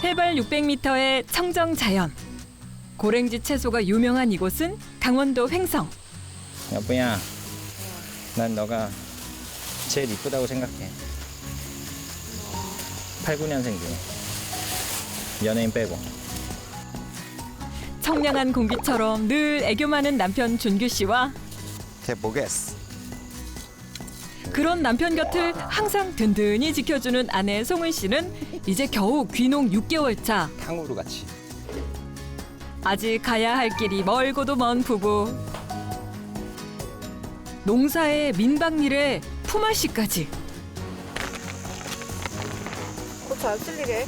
해발 600m의 청정 자연. 고랭지 채소가 유명한 이곳은 강원도 횡성. 여보야, 난 너가 제일 이쁘다고 생각해. 8, 9년생 중에 연예인 빼고. 청량한 공기처럼 늘 애교 많은 남편 준규 씨와 해보겠어. 그런 남편 곁을 항상 든든히 지켜주는 아내 송은 씨는 이제 겨우 귀농 6개월 차. 탕후루 같이. 아직 가야 할 길이 멀고도 먼 부부. 농사에 민박일에 품앗이까지. 고추 안 쓸리게.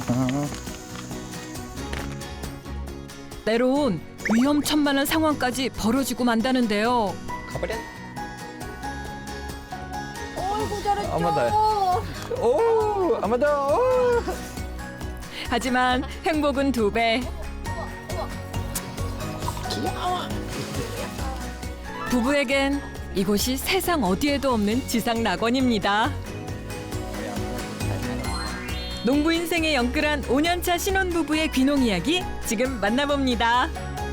때론 위험천만한 상황까지 벌어지고 만다는데요. 가버려. 어이구 잘했죠. 한번 더. 오, 한번 더. 하지만 행복은 2배. 부부에겐 이곳이 세상 어디에도 없는 지상 낙원입니다. 농부 인생의 영끌한 5년차 신혼부부의 귀농 이야기 지금 만나봅니다.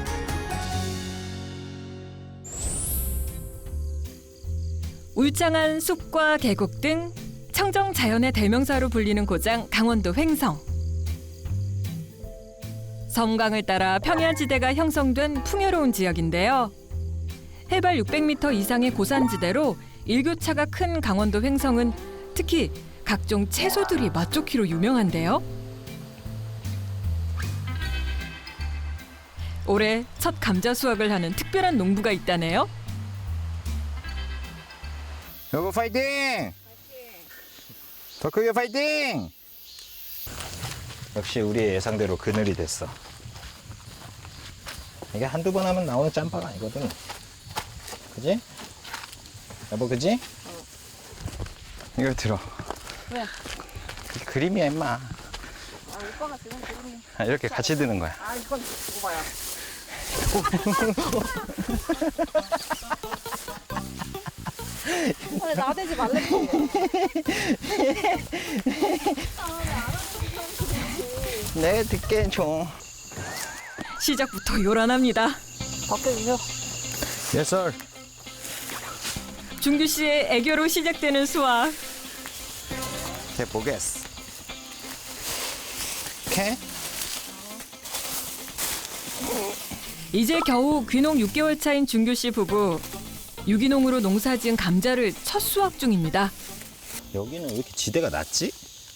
울창한 숲과 계곡 등 청정 자연의 대명사로 불리는 고장 강원도 횡성. 섬강을 따라 평야지대가 형성된 풍요로운 지역인데요. 해발 600m 이상의 고산지대로 일교차가 큰 강원도 횡성은 특히 각종 채소들이 맛좋기로 유명한데요. 올해 첫 감자 수확을 하는 특별한 농부가 있다네요. 여보 파이팅! 더 크게 파이팅! 역시 우리의 예상대로 그늘이 됐어. 이게 한두 번 하면 나오는 짬바가 아니거든. 그지? 여보 그지? 이거 들어. 왜? 그림이야 임마. 아 오빠가 지금 그림이. 이렇게 같이 드는 거야. 아 이건 오빠야. 왜 나대지 말랬지. 내 듣게 좀. 시작부터 요란합니다. 바꿔주세요. Yes sir. 준규 씨의 애교로 시작되는 수확. 해보겠어. 오케이? 이제 겨우 귀농 6개월 차인 준규 씨 부부. 유기농으로 농사지은 감자를 첫 수확 중입니다. 여기는 왜 이렇게 지대가 낮지?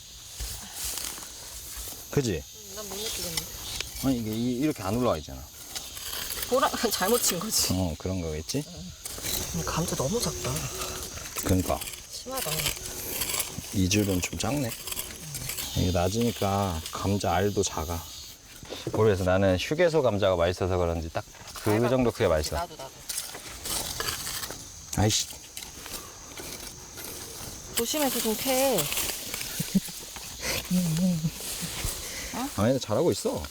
그지? 난 못 느끼겠네. 아니 이게 이렇게 안 올라와 있잖아. 보라 잘못 친 거지. 그런 거겠지? 감자 너무 작다. 그러니까 심하다. 이 줄은 좀 작네. 이게 낮으니까 감자 알도 작아. 모르겠어. 나는 휴게소 감자가 맛있어서 그런지 딱 그 정도 크게 맛있어. 나도. 아이씨. 조심해서 좀 캐. 아니 잘하고 있어.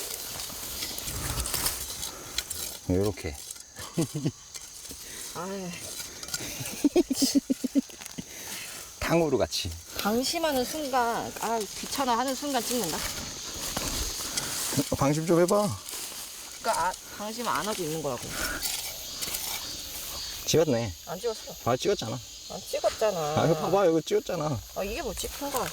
요렇게. 아유. 탕후루 같이. 방심하는 순간, 아 귀찮아 하는 순간 찍는다. 방심 좀 해봐. 그러니까 방심 안 하고 있는 거라고. 찍었네. 안 찍었어. 봐 찍었잖아. 안 찍었잖아. 아 이거 봐봐 이거 찍었잖아. 아 이게 뭐 찍힌 거야.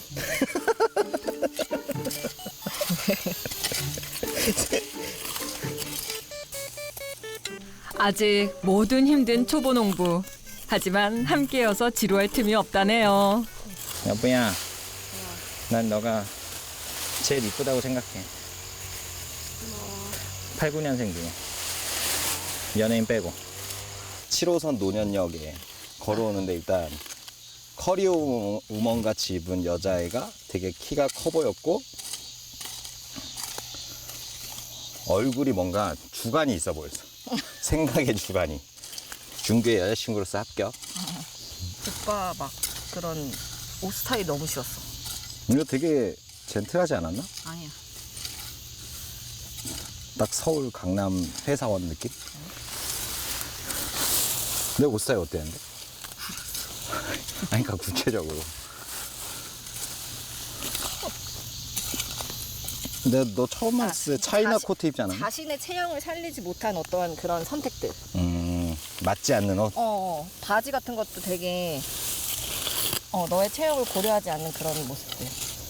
아직 뭐든 힘든 초보 농부. 하지만 함께여서 지루할 틈이 없다네요. 여보야, 난 너가 제일 이쁘다고 생각해. 8, 9년생 중에 연예인 빼고. 7호선 노년역에 걸어오는데 일단 커리어 우먼 같이 입은 여자애가 되게 키가 커 보였고 얼굴이 뭔가 주관이 있어 보였어. 생각의 주관이. 준규의 여자친구로서 합격. 오빠 막 그런 옷 스타일 너무 싫었어. 이거 되게 젠틀하지 않았나? 아니야. 딱 서울 강남 회사원 느낌? 내 옷 스타일 어땠는데? 아니, 그러니까 구체적으로. 근데 너 처음 봤을 때 차이나 자신- 코트 입지 않았나? 자신의 체형을 살리지 못한 어떠한 그런 선택들. 맞지 않는 옷. 바지 같은 것도 되게 너의 체형을 고려하지 않는 그런 모습들.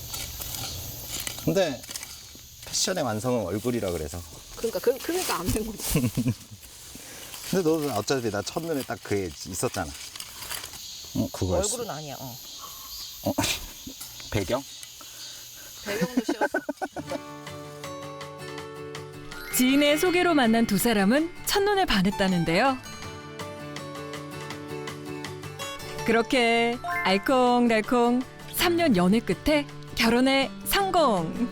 근데 패션의 완성은 얼굴이라 그래서. 그러니까 안 된 거지. 근데 너는 어차피 나 첫눈에 딱 그게 있었잖아. 그거였어. 얼굴은 아니야. 배경? 배경도 싫었어. 지인의 소개로 만난 두 사람은 첫눈에 반했다는데요. 그렇게 알콩달콩 3년 연애 끝에 결혼에 성공.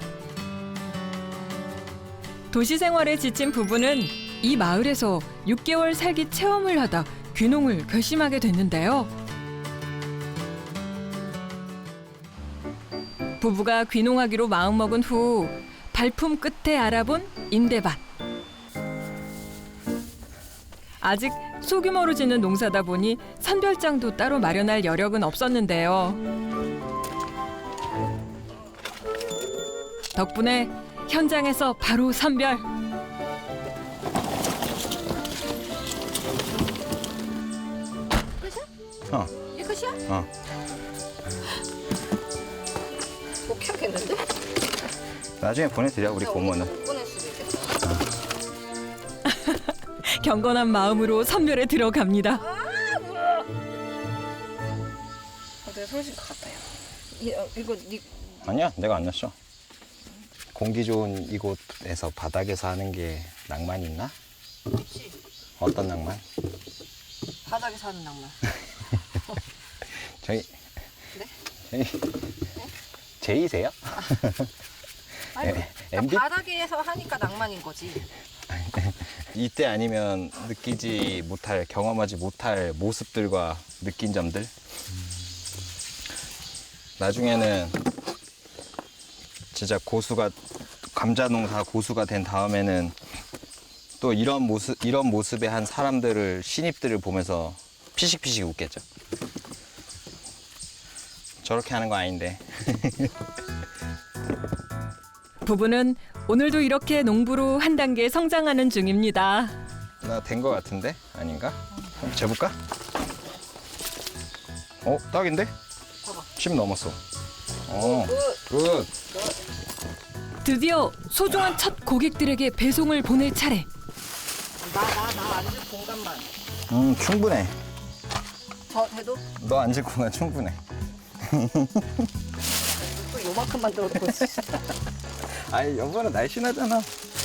도시 생활에 지친 부부는 이 마을에서 6개월 살기 체험을 하다 귀농을 결심하게 됐는데요. 부부가 귀농하기로 마음먹은 후 발품 끝에 알아본 임대밭. 아직 소규모로 짓는 농사다 보니 선별장도 따로 마련할 여력은 없었는데요. 덕분에 현장에서 바로 선별. 이게 끝이야? 어. 못 해야겠는데? 나중에 보내드려, 우리 고모는. 못 보낼 수도 있겠어. 경건한 마음으로 선별에 들어갑니다. 내가 소리질 것 같아요. 이거 네 아니야, 내가 안 났어. 공기 좋은 이곳에서 바닥에서 하는 게 낭만이 있나? 그렇지. 어떤 낭만? 바닥에 사는 낭만. 저희 네? 제이세요? 아니, MB? 바닥에서 하니까 낭만인 거지. 이때 아니면 느끼지 못할, 경험하지 못할 모습들과 느낀 점들. 나중에는 진짜 고수가, 감자 농사 고수가 된 다음에는 또 이런 모습의 한 사람들을, 신입들을 보면서 피식피식 웃겠죠. 저렇게 하는 거 아닌데. 부부는 오늘도 이렇게 농부로 한 단계 성장하는 중입니다. 나 된 거 같은데? 아닌가? 한번 재볼까? 딱인데? 봐봐. 10 넘었어. 굿. 드디어 소중한 첫 고객들에게 배송을 보낼 차례. 나 앉을 공간만. 충분해. 저 돼도 너 앉을 공간 충분해. 또 요만큼 만들어놓고 있어. 아이, 여보는 날씬하잖아.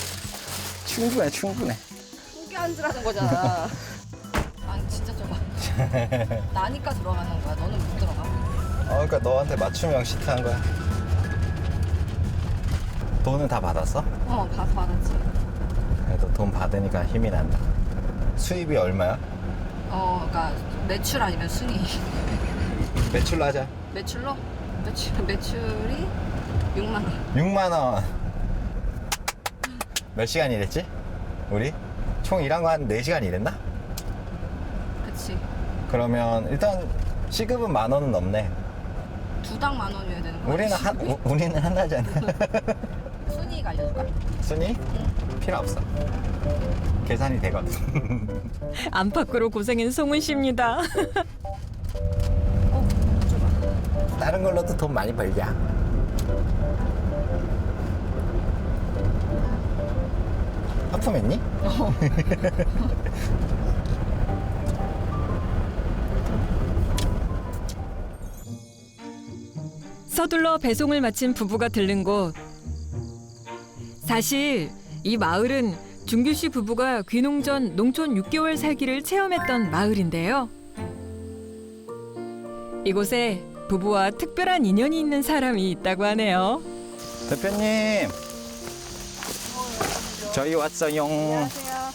충분해. 크게 앉으라는 거잖아. 아니 진짜 좁아. 나니까 들어가는 거야. 너는 못 들어가. 그러니까 너한테 맞춤형 시트한 거야. 돈은 다 받았어? 받았지. 그래도 돈 받으니까 힘이 난다. 수입이 얼마야? 그러니까 매출 아니면 순위. 매출로 하자. 매출로? 매출이 6만 원. 6만 원. 몇 시간 일했지? 우리? 총 일한 거 한 4시간 일했나? 그치. 그러면 일단 시급은 10,000원은 넘네. 두당 10,000원이어야 되는 거야. 우리는 하나잖아. 순위가 알려줄까? 순위? 필요 없어. 계산이 되거든. 안팎으로 고생인 송은 씨입니다. 다른 걸로도 돈 많이 벌자. 하품했니? 서둘러 배송을 마친 부부가 들른 곳. 사실 이 마을은 준규 씨 부부가 귀농 전 농촌 6개월 살기를 체험했던 마을인데요. 이곳에 부부와 특별한 인연이 있는 사람이 있다고 하네요. 대표님, 저희 왔어요. 안녕하세요.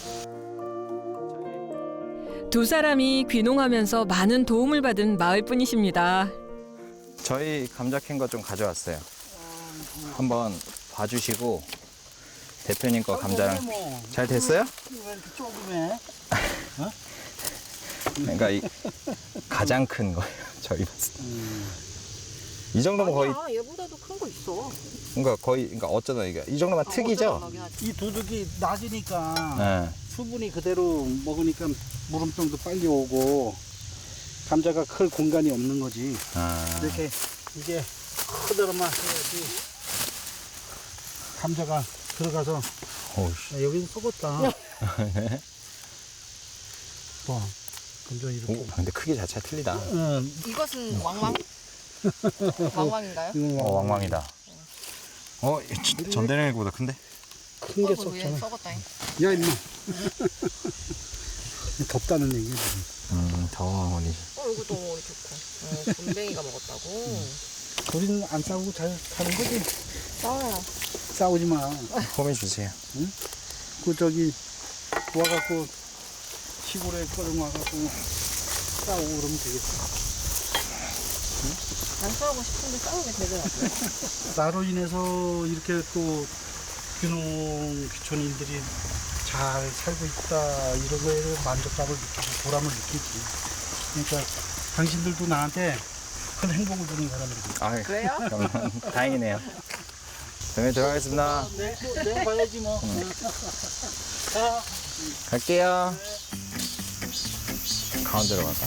두 사람이 귀농하면서 많은 도움을 받은 마을뿐이십니다. 저희 감자 캔 거 좀 가져왔어요. 한번 봐주시고 대표님 거 감자랑 잘 됐어요? 왜 이렇게 조그매? 그러니까 가장 큰 거예요. 저희 봤을 때. 이 정도면 거의 아니야, 얘보다도 큰 거 있어. 그러니까 거의 그러니까 어쩌다 이게 이 정도면 특이죠. 이 도둑이 낮으니까 네. 수분이 그대로 먹으니까 물음병도 빨리 오고 감자가 클 공간이 없는 거지. 아. 이렇게 이게 그대로만 해야지 감자가 들어가서 오우씨. 야, 여기는 썩었다. 와, 감자 이렇게. 오, 근데 크기 자체가 틀리다. 응, 이것은 왕왕? 왕왕인가요? 이건 왕왕이다. 전대령보다 큰데? 큰 게 위에 썩잖아. 썩었다잉. 야, 임마. 덥다는 얘기야, 지금. 더워 어머니. 이것도 먹으니 좋고. 곰뱅이가 먹었다고. 우리는 안 싸우고 잘 사는 거지. 싸워요. 싸우지 마. 홈해 주세요. 그 저기 와갖고 시골에 꺼져 와갖고 싸우고 그러면 되겠어. 난 싸우고 싶은데 싸우게 되더라고요. 나로 인해서 이렇게 또 귀농 귀촌인들이 잘 살고 있다 이런 거에 만족감을 느끼고 보람을 느끼지. 그러니까 당신들도 나한테 큰 행복을 주는 사람들이. 아, 그래요? 그러면 다행이네요. 그러면 들어가겠습니다. 내가 봐야지 뭐. 자. 갈게요. 가운데로 갈까?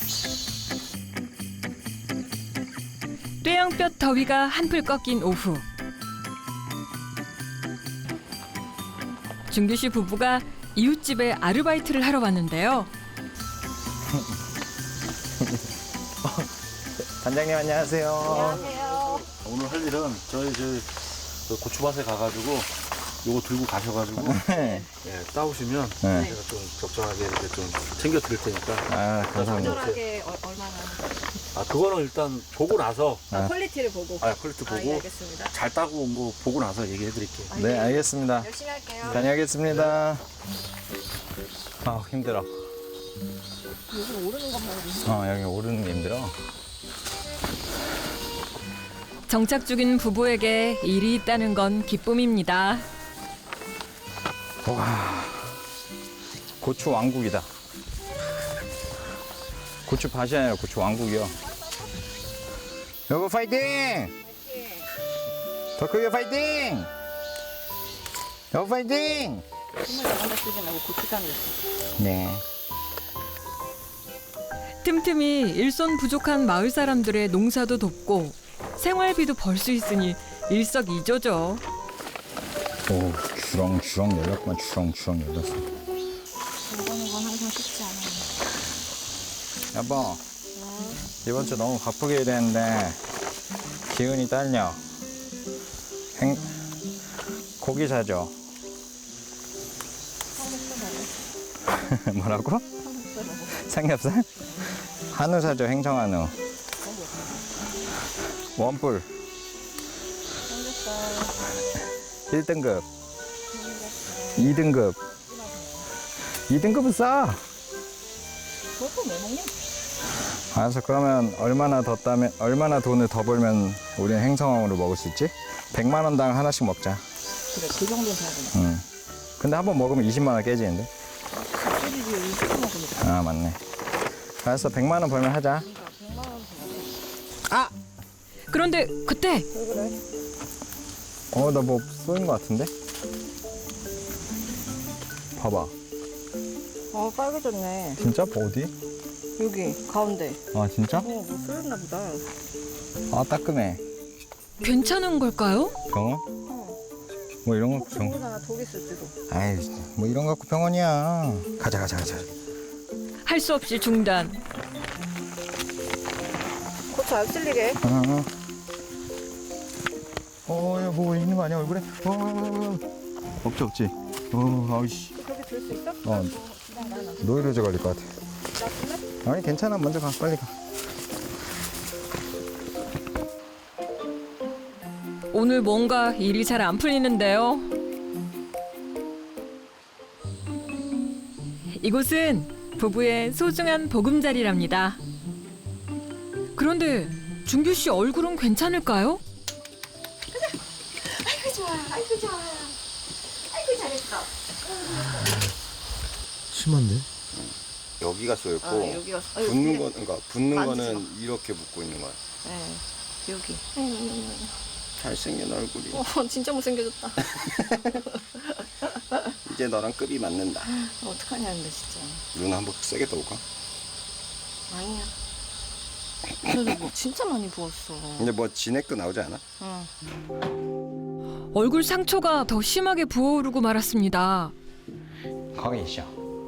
뙤양볕 더위가 한풀 꺾인 오후. 준규 씨 부부가 이웃집에 아르바이트를 하러 왔는데요. 단장님 안녕하세요. 안녕하세요. 오늘 할 일은 저희 고추밭에 가가지고 요거 들고 가셔가지고 네. 예, 따오시면 네. 제가 좀 적절하게 이렇게 좀 챙겨 드릴 테니까. 아, 감사합니다. 적절하게 얼마나 아 그거는 일단 보고 나서 퀄리티를 보고. 퀄리티 예, 보고 알겠습니다. 잘 따고 온 거 보고 나서 얘기해 드릴게요. 네, 알겠습니다. 열심히 할게요. 다녀오겠습니다. 아, 힘들어. 요즘 오르는 거 봐요. 여기 오르는 게 힘들어. 정착 중인 부부에게 일이 있다는 건 기쁨입니다. 와, 고추 왕국이다. 고추 밭이 아니라 고추 왕국이요. 여보 파이팅! 더 크게 파이팅! 여보 파이팅! 정말 잘한다 쓰지 말고 고추장을 넣었어. 네. 틈틈이 일손 부족한 마을 사람들의 농사도 돕고 생활비도 벌 수 있으니 일석이조죠. 오, 주렁주렁 열렸구만. 주렁주렁 열렸어. 이거는 건 항상 쉽지 않아요. 여보, 이번 주 너무 바쁘게 일했는데 기운이 딸려. 고기 사줘. 뭐라고? 삼겹살? 한우 사줘. 행정한우. 원뿔. 1등급. 2등급. 2등급은 싸. 그것도 왜 먹냐? 알았어. 그러면 얼마나 돈을 더 벌면 우리는 행성왕으로 먹을 수 있지? 100만 원당 하나씩 먹자. 그래, 그 정도는 돼야 되나? 응. 근데 한 번 먹으면 20만 원 깨지는데? 소리지, 이거 먹으니까. 아, 맞네. 알았어. 100만 원 벌면 하자. 아! 그런데 그때 나 뭐 쏘인 것 같은데? 봐봐. 빨개졌네. 진짜? 어디? 여기, 가운데. 아, 진짜? 뭐 쏠렸나 보다. 아, 따끔해. 괜찮은 걸까요? 병원? 뭐 이런 거 혹시 병원? 모르잖아, 독 있을지도. 아이, 뭐 이런 거 갖고 병원이야. 가자. 할 수 없이 중단. 고추 안 쓸리게. 야, 뭐 있는 거 아니야, 얼굴에? 없지. 아이씨. 그렇게 들 수 있어? 노이로제 걸릴 것 같아. 아니, 괜찮아. 먼저 가, 빨리 가. 오늘 뭔가 일이 잘 안 풀리는데요. 이곳은 부부의 소중한 보금자리랍니다. 그런데 준규 씨 얼굴은 괜찮을까요? 아이고, 좋아. 아이고, 좋아. 아이고, 잘했어. 심한데? 여기가 쏘였고, 여기가. 그러니까 붙는 만지지 거는 이렇게 붙고 있는 거야. 네, 여기. 잘생긴 얼굴이. 진짜 못생겨졌다. 이제 너랑 급이 맞는다. 어떡하냐 근데 진짜. 누나 한번 세게 떠올까? 아니야. 그래도 뭐 진짜 많이 부었어. 근데 뭐 진액도 나오지 않아? 응. 얼굴 상처가 더 심하게 부어오르고 말았습니다. 거기 있어.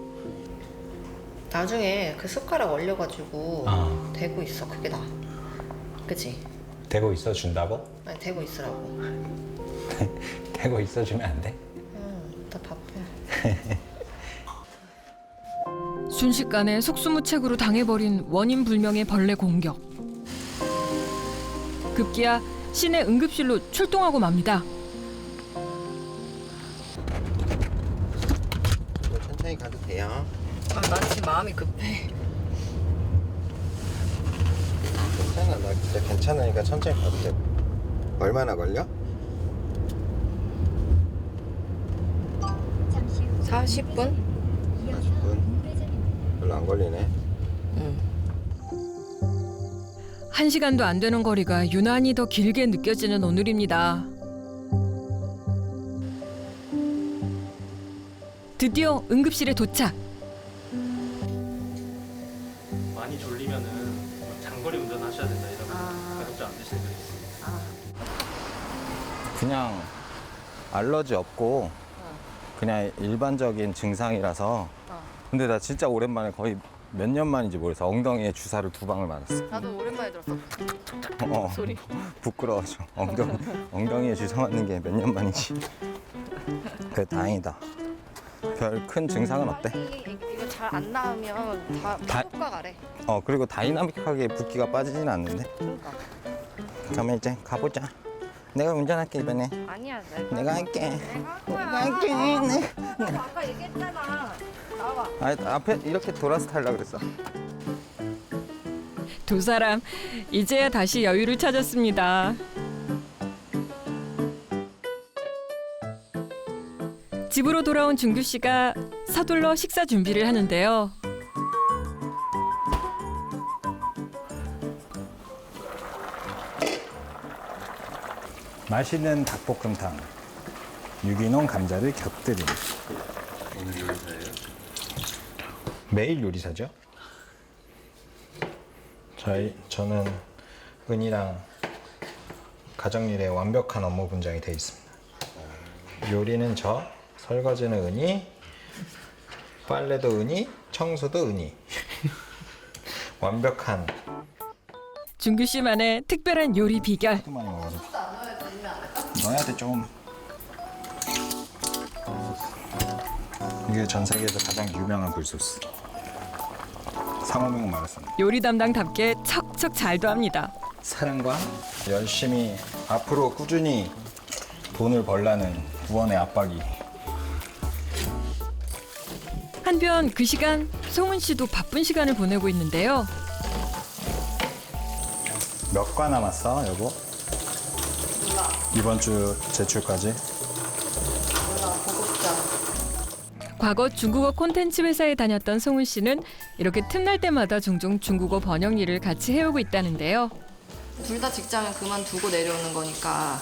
나중에 그 숟가락 얼려가지고 대고 있어. 그게 나. 그치? 대고 있어 준다고? 아니 대고 있으라고. 대고 있어 주면 안 돼? 응. 나 바빠. 순식간에 속수무책으로 당해버린 원인 불명의 벌레 공격. 급기야 시내 응급실로 출동하고 맙니다. 천천히 가도 돼요. 난 지금 마음이 급해. 괜찮아, 나 진짜 괜찮으니까 천천히 가도 돼. 얼마나 걸려? 40분? 40분? 별로 안 걸리네. 응. 1시간도 안 되는 거리가 유난히 더 길게 느껴지는 오늘입니다. 드디어 응급실에 도착. 많이 졸리면은 장거리 운전하셔야 된다 이러면 가급적 안 되시는 분이 있습니다. 그냥 알러지 없고 그냥 일반적인 증상이라서. 근데 나 진짜 오랜만에 거의 몇 년 만인지 모르겠어. 엉덩이에 주사를 2방을 맞았어. 나도 오랜만에 들었어. 소리. 부끄러워서 엉덩이에 주사 맞는 게 몇 년 만인지. 그래 다행이다. 별 큰 증상은 없대. 이거 잘 안 나으면 다 효과가래. 그리고 다이나믹하게 붓기가 빠지진 않는데. 그러니까. 그러면 이제 가보자. 내가 운전할게 이번에. 아니야. 내가 할게. 내가 할게. 아까 얘기했잖아. 나와. 앞에 이렇게 돌아서 타려고 그랬어. 두 사람 이제야 다시 여유를 찾았습니다. 집으로 돌아온 준규 씨가 서둘러 식사 준비를 하는데요. 맛있는 닭볶음탕. 유기농 감자를 곁들임. 오늘 요리사예요? 매일 요리사죠? 저는 은이랑 가정일에 완벽한 업무 분장이 돼 있습니다. 요리는 저, 설거지는 은이, 빨래도 은이, 청소도 은이. 완벽한. 준규 씨만의 특별한 요리 비결. 하도 많이 먹어서. 넣어야 돼 좀. 이게 전 세계에서 가장 유명한 굴소스. 상호명 말했습니다. 요리 담당답게 척척 잘도 합니다. 사랑과 열심히 앞으로 꾸준히 돈을 벌라는 부원의 압박이. 한편 그 시간 송은 씨도 바쁜 시간을 보내고 있는데요. 몇 과 남았어, 여보? 몰라. 이번 주 제출까지? 몰라. 보고싶잖아. 과거 중국어 콘텐츠 회사에 다녔던 송은 씨는 이렇게 틈날 때마다 종종 중국어 번역 일을 같이 해오고 있다는데요. 둘 다 직장을 그만두고 내려오는 거니까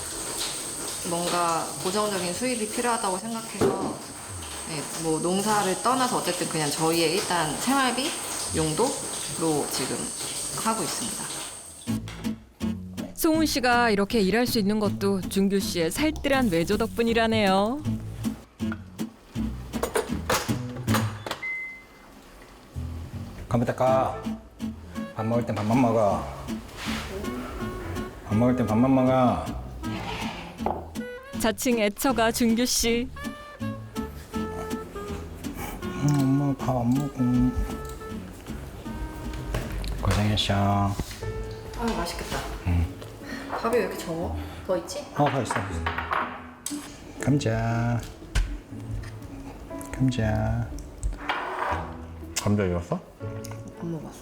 뭔가 고정적인 수입이 필요하다고 생각해서 뭐 농사를 떠나서 어쨌든 그냥 저희의 일단 생활비 용도로 지금 하고 있습니다. 송은 씨가 이렇게 일할 수 있는 것도 준규 씨의 살뜰한 외조 덕분이라네요. 컴퓨터 꺼. 밥 먹을 땐 밥만 먹어. 밥 먹을 땐 밥만 먹어. 자칭 애처가 준규 씨. 엄마 밥 안 먹어. 고생했어. 아 맛있겠다. 밥이 왜 이렇게 적어? 더 있지? 다 있어. 감자. 감자. 감자 익었어? 안 먹었어.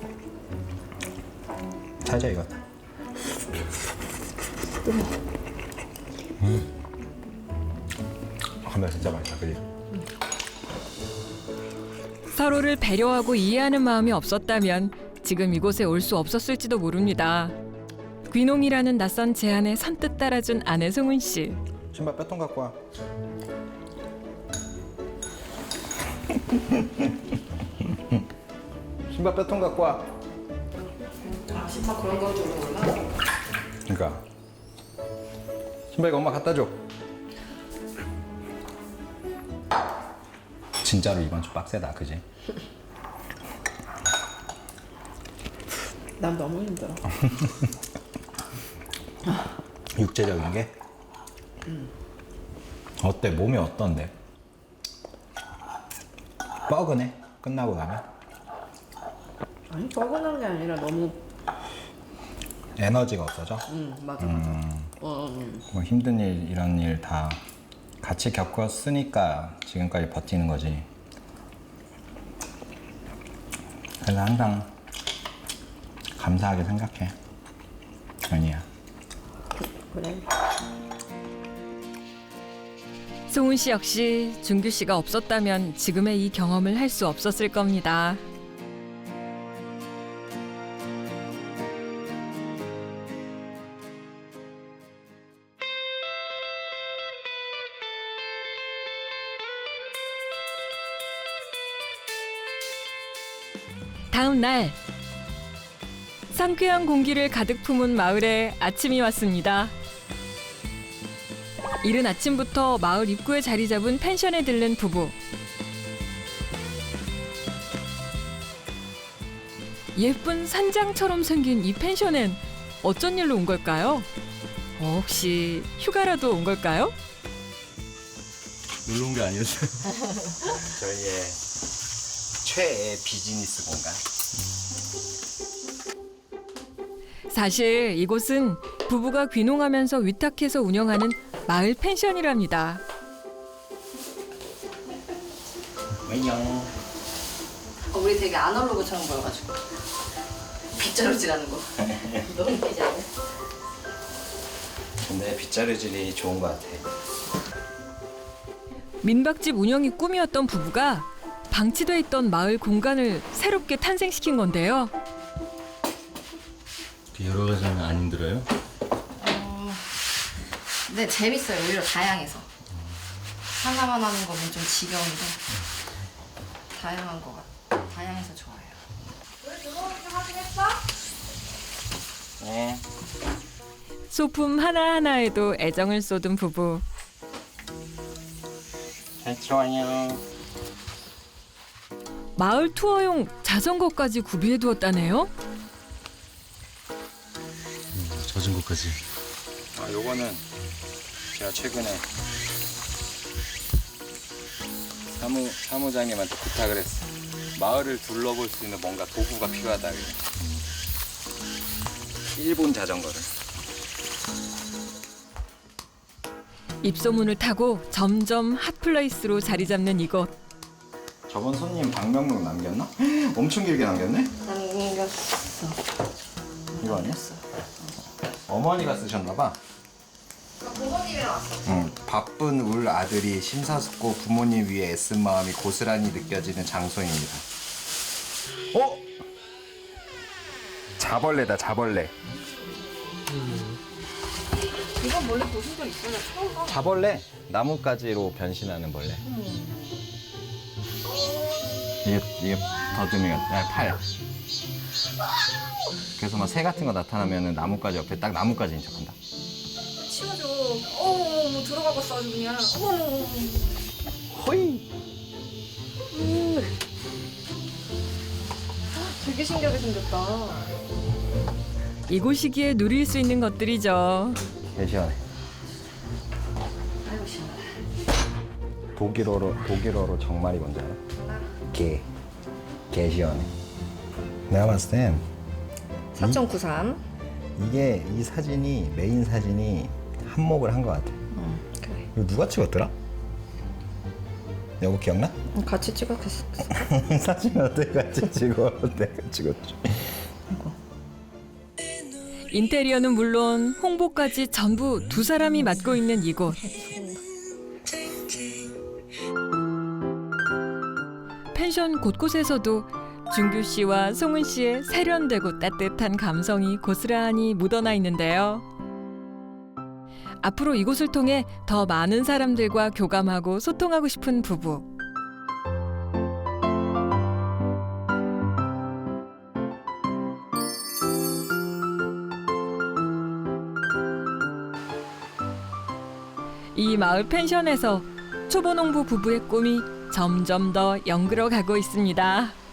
살짝 익었다. 감자 진짜 맛있다, 그지? 서로를 배려하고 이해하는 마음이 없었다면 지금 이곳에 올 수 없었을지도 모릅니다. 귀농이라는 낯선 제안에 선뜻 따라준 아내 송은 씨. 신발 빼통 갖고 와. 신발 빼통 갖고 와. 아, 신발 그런 거 주는구나. 그러니까 신발 이거 엄마 갖다 줘. 진짜로 이번 주 빡세다, 그지? 난 너무 힘들어. 육체적인 게? 어때? 몸이 어떤데? 뻐근해? 끝나고 가면? 아니, 뻐근한 게 아니라 너무. 에너지가 없어져? 맞아. 뭐 힘든 일, 이런 일 다 같이 겪었으니까 지금까지 버티는 거지. 그래서 항상 감사하게 생각해, 연희야. 그래. 송은 씨 역시 준규 씨가 없었다면 지금의 이 경험을 할 수 없었을 겁니다. 다음 날 상쾌한 공기를 가득 품은 마을에 아침이 왔습니다. 이른 아침부터 마을 입구에 자리 잡은 펜션에 들른 부부. 예쁜 산장처럼 생긴 이 펜션엔 어쩐 일로 온 걸까요? 혹시 휴가라도 온 걸까요? 놀러 온 게 아니었어요. 저희의 최애 비즈니스 공간. 사실 이곳은 부부가 귀농하면서 위탁해서 운영하는 마을 펜션이랍니다. 안녕. 우리 되게 아날로그처럼 보여가지고. 빗자루질하는 거. 너무 웃기지 않아? 근데 빗자루질이 좋은 것 같아. 민박집 운영이 꿈이었던 부부가 방치돼 있던 마을 공간을 새롭게 탄생시킨 건데요. 여러 가지 하면 안 힘들어요? 네, 재밌어요. 오히려 다양해서. 하나만 하는 거면 좀 지겨운데 다양한 거 같아. 다양해서 좋아요. 네. 소품 하나하나에도 애정을 쏟은 부부. 잘 들어와요. 마을 투어용 자전거까지 구비해 두었다네요. 자전거까지. 아, 요거는 제가 최근에 사무장님한테 부탁을 했어. 마을을 둘러볼 수 있는 뭔가 도구가 필요하다. 그래. 일본 자전거를. 입소문을 타고 점점 핫플레이스로 자리 잡는 이곳. 저번 손님 방명록 남겼나? 엄청 길게 남겼네? 남겼어. 이거 아니야? 어머니가 쓰셨나봐. 부모님이랑 왔어. 응, 바쁜 울 아들이 심사숙고 부모님 위해 애쓴 마음이 고스란히 느껴지는 장소입니다. 어? 자벌레다, 자벌레. 이건 원래 보신 적 있어요? 처음 봐. 자벌레? 나뭇가지로 변신하는 벌레. 이게 더듬이가 팔. 그래서 막 새 같은 거 나타나면은 나뭇가지 옆에 딱 나뭇가지인 척한다. 치워줘. 어머, 들어가봤어 아주 그냥. 어머. 호이. 되게 신기하게 생겼다. 이곳이기에 누릴 수 있는 것들이죠. 개 시원해. 아이고 시원하다. 독일어로 정말이 뭔지 알아? 개. 개 시원해. 내가 봤을 땐 4.93. 이게 이 사진이 메인 사진이 한몫을 한 것 같아. 그래. 이거 누가 찍었더라? 여보 기억나? 같이 찍었겠어. 사진을 어떻게 같이 찍어? 내가 찍었지. 인테리어는 물론 홍보까지 전부 두 사람이 맡고 있는 이곳. 펜션 곳곳에서도 준규 씨와 송은 씨의 세련되고 따뜻한 감성이 고스란히 묻어나 있는데요. 앞으로 이곳을 통해 더 많은 사람들과 교감하고 소통하고 싶은 부부. 이 마을 펜션에서 초보농부 부부의 꿈이 점점 더 연그러 가고 있습니다.